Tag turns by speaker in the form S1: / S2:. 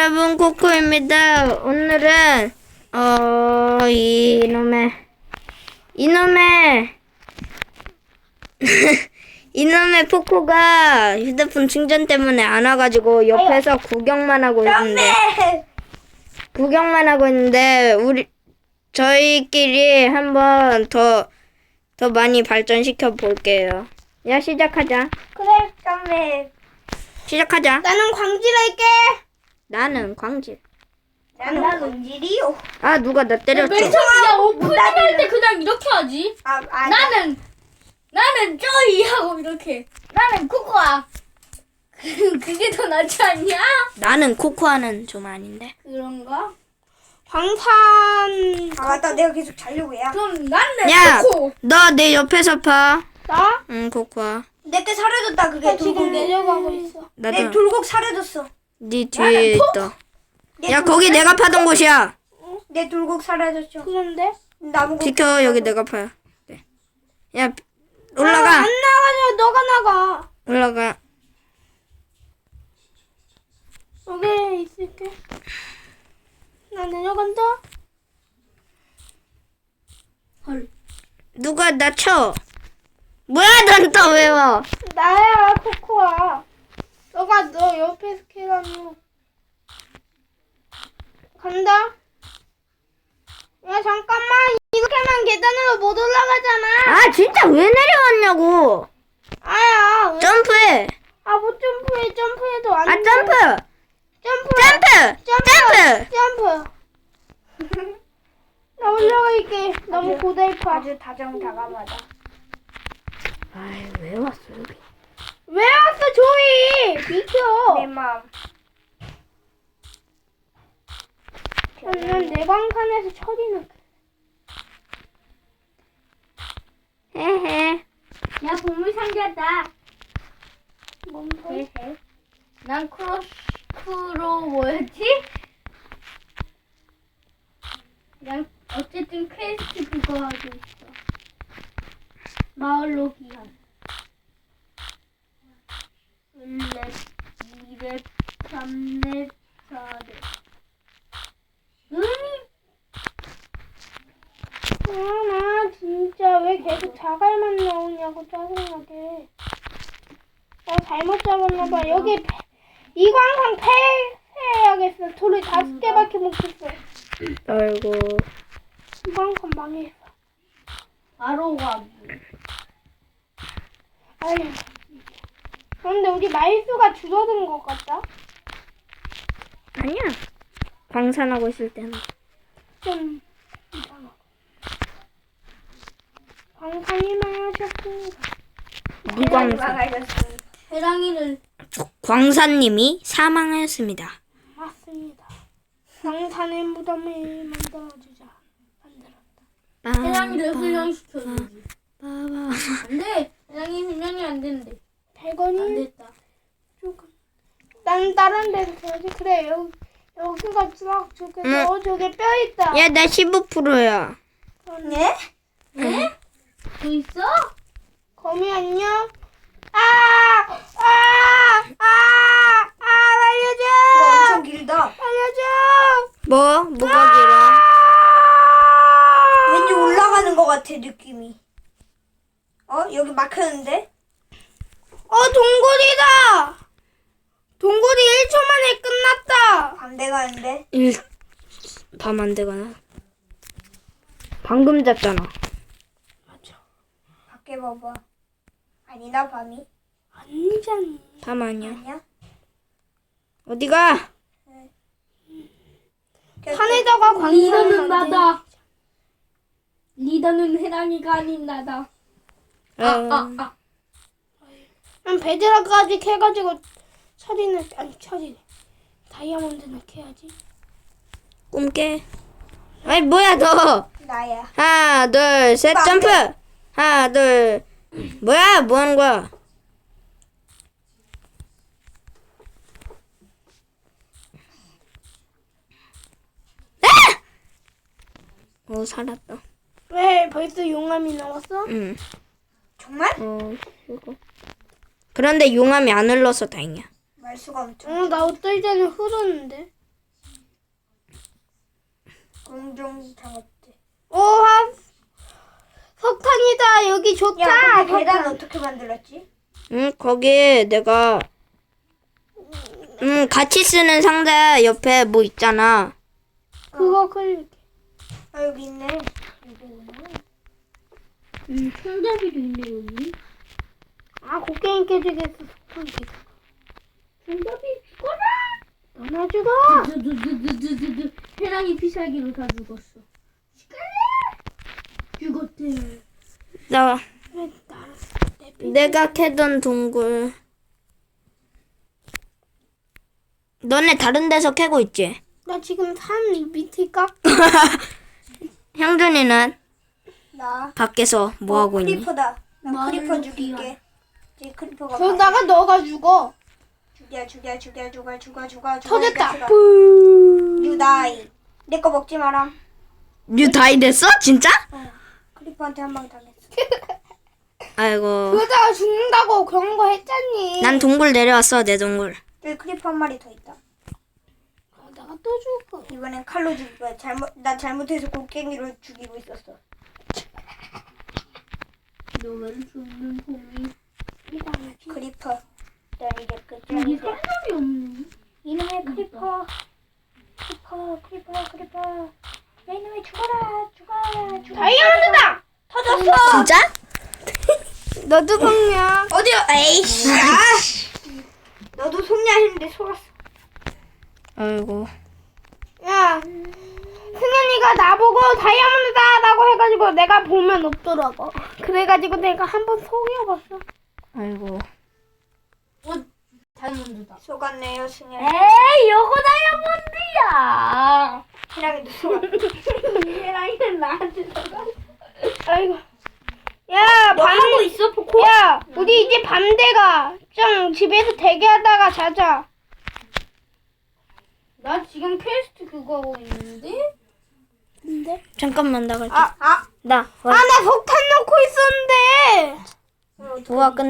S1: 여러분, 코코입니다. 오늘은 이놈의 포코가 휴대폰 충전 때문에 안 와가지고 옆에서 구경만 하고 있는데 저희끼리 한번 더 많이 발전시켜 볼게요. 야, 시작하자.
S2: 그래, 깜매.
S1: 시작하자.
S2: 나는 광질할게.
S1: 나는 광질.
S2: 나는 광질이요.
S1: 아, 누가 나 때렸어.
S3: 맨 처음에 오프닝 할 때 그냥 이렇게 하지. 나는 쪼이 하고 이렇게. 나는 코코아. 그게 더 낫지 않냐?
S1: 나는 코코아는 좀 아닌데.
S3: 그런가?
S2: 광산. 맞다, 내가 계속 자려고 해야.
S3: 그럼 나는
S1: 야,
S3: 코코.
S1: 너 내 옆에서 봐.
S2: 나?
S1: 응, 코코아.
S2: 내게 사라졌다, 그게.
S3: 지금 내려가고 있어.
S2: 내
S1: 나도
S2: 돌곡 사라졌어.
S1: 네 뒤에 있다.
S2: 내
S1: 야,
S2: 돌곡
S1: 거기 내가 파던 곳이야.
S2: 내 돌곡 사라졌죠.
S3: 그런데?
S2: 나무.
S1: 비켜, 여기 내가 파야. 네. 야, 올라가.
S2: 안 나가죠. 너가 나가.
S1: 올라가.
S3: 여기 있을게. 나 내려간다. 헐.
S1: 누가 나 쳐. 뭐야, 넌 또 왜 와?
S3: 나야 코코아. 너가 너 옆에서 캐라며. 간다. 야 잠깐만. 이렇게만 계단으로 못 올라가잖아.
S1: 아, 진짜 왜 내려왔냐고.
S3: 아야. 왜?
S1: 점프해.
S3: 뭐 점프해도 안
S1: 아,
S3: 돼.
S1: 점프.
S3: 점프.
S1: 점프.
S3: 나 올라갈게. 너무 고달파.
S2: 아주 다정다감하다.
S1: 아이, 왜 왔어, 여기?
S3: 왜 왔어 조이? 비켜.
S2: 내 마음.
S3: 난 내 방칸에서 처리는.
S1: 헤헤.
S3: 야 보물상자다. 뭔 소리? 난 크로 뭐였지? 그냥 어쨌든 퀘스트 그거 하고 있어. 마을로 기한. 1렙, 2렙, 3렙, 4렙. 나 진짜 왜 계속 자갈만 나오냐고 짜증나게. 나 잘못 잡았나봐. 여기 이광상 폐해야겠어. 돌을 5개밖에 못 켰어.
S1: 아이고.
S3: 이광상 망했어. 바로 가기. 아유. 그런데 우리 마일수가 줄어든 것 같다.
S1: 아니야. 광산하고 있을 때는.
S3: 좀 이상하고. 광산이 망하셨습니다.
S1: 이광산.
S3: 해랑이를
S1: 광산님이 사망하였습니다.
S3: 맞습니다. 광산의 무덤을 만들어주자. 만들었다.
S1: 빠-
S3: 해랑이를
S1: 빠-
S3: 훈련시켜주지.
S1: 빠바.
S3: 안 돼. 해랑이 훈련이 안 된대. 100원이? 안 됐다. 조금. 난 다른 데서 해야지. 그래. 여기가 쫙 저게 저게 뼈 있다.
S1: 야, 나 15%야.
S2: 네?
S3: 네? 또 있어? 거미 안녕? 알려줘!
S2: 그거 엄청 길다.
S3: 알려줘!
S1: 뭐가 길어?
S2: 왠지 올라가는 것 같아, 느낌이. 여기 막혔는데?
S3: 동굴이다! 동굴이 1초 만에 끝났다!
S2: 반대 가는데?
S1: 밤 안 되거나. 방금 잤잖아.
S2: 밖에 봐봐. 아니다, 밤이.
S3: 아니잖니.
S1: 밤 아니야.
S2: 아니야?
S1: 어디가?
S3: 산에다가 리더는 나다. 리더는 해랑이가 아닌 나다. 난 베드락까지 캐가지고 처리네. 다이아몬드는 캐야지.
S1: 꿈깨. 아이, 뭐야, 너.
S2: 나야.
S1: 하나, 둘, 셋,
S2: 이거 안
S1: 점프.
S2: 돼.
S1: 하나, 둘. 뭐야, 뭐 하는 거야? 살았다.
S3: 왜 벌써 용암이 나왔어?
S1: 응.
S2: 정말?
S1: 이거. 그런데 용암이 안 흘러서 다행이야.
S2: 말수가 엄청.
S3: 나 어떨 때는 흐르는데.
S2: 공정장 어때?
S3: 오, 석탄이다. 여기 좋다.
S2: 야, 근데 계단
S3: 석탄.
S2: 어떻게 만들었지?
S1: 응, 거기에 내가 같이 쓰는 상자 옆에 뭐 있잖아.
S3: 그거 클릭.
S2: 아, 여기 있네.
S3: 손잡이도 있네 여기. 아, 곡괭이 깨지겠어. 석탄 깨져. 손잡이 죽어라. 너나 죽어.
S4: 두두두두두두 해랑이 피살기로 다 죽었어. 죽었대.
S1: 내가 캐던 동굴. 너네 다른 데서 캐고 있지?
S3: 나 지금 산 밑에 깎.
S1: 형준이는
S2: 나.
S1: 밖에서 뭐 하고 있니?
S2: 크리퍼다. 나
S4: 말을
S2: 크리퍼
S4: 놓기야.
S2: 죽일게. 이제 크리퍼가
S3: 그러다가 너가 죽어.
S2: 죽여.
S3: 터졌다.
S2: 유다이. 내 거 먹지 마라.
S1: 유 다이 됐어? 진짜?
S2: 크리퍼한테 한 방 당했어.
S1: 아이고.
S3: 그러다가 죽는다고 그런 거 했잖니.
S1: 난 동굴 내려왔어, 내 동굴.
S2: 여기 크리퍼 한 마리 더 있다.
S3: 그러다가 또 죽어.
S2: 이번엔 칼로 죽일 거야. 나 잘못해서 곡괭이로 죽이고 있었어.
S4: 너를 죽는 곰이.
S2: 크리퍼. 난 이제
S4: 여기
S2: 끝장이야.
S4: 사람이 없네.
S2: 이놈의 크리퍼. 크리퍼. 야, 이놈의 죽어라. 죽어.
S3: 다이아몬드다.
S2: 터졌어.
S1: 진짜?
S3: 너도 성냥.
S2: 어디요? 에이씨. 너도 속냐 했는데 속았어.
S1: 아이고.
S3: 야, 승현이가 나보고 다이아몬드다라고 해가지고 내가 보면 없더라고. 그래가지고 내가 한번 속여봤어.
S1: 아이고.
S4: 다이아몬드다.
S2: 속았네요, 승현.
S3: 에이, 요거 다이아몬드야.
S2: 희랑이도 속았어.
S3: 얘랑이는 나한테 속아. 아이고. 야,
S2: 뭐 하고 있어, 포코?
S3: 야, 우리 이제 밤 돼가. 좀 집에서 대기하다가 자자.
S4: 나 지금 퀘스트 그거 하고 있는데?
S3: 근데?
S1: 잠깐만 나갈게.
S2: 아.
S1: 나
S3: 아, 나 석탄 넣고 있었는데.
S1: 우와 끝.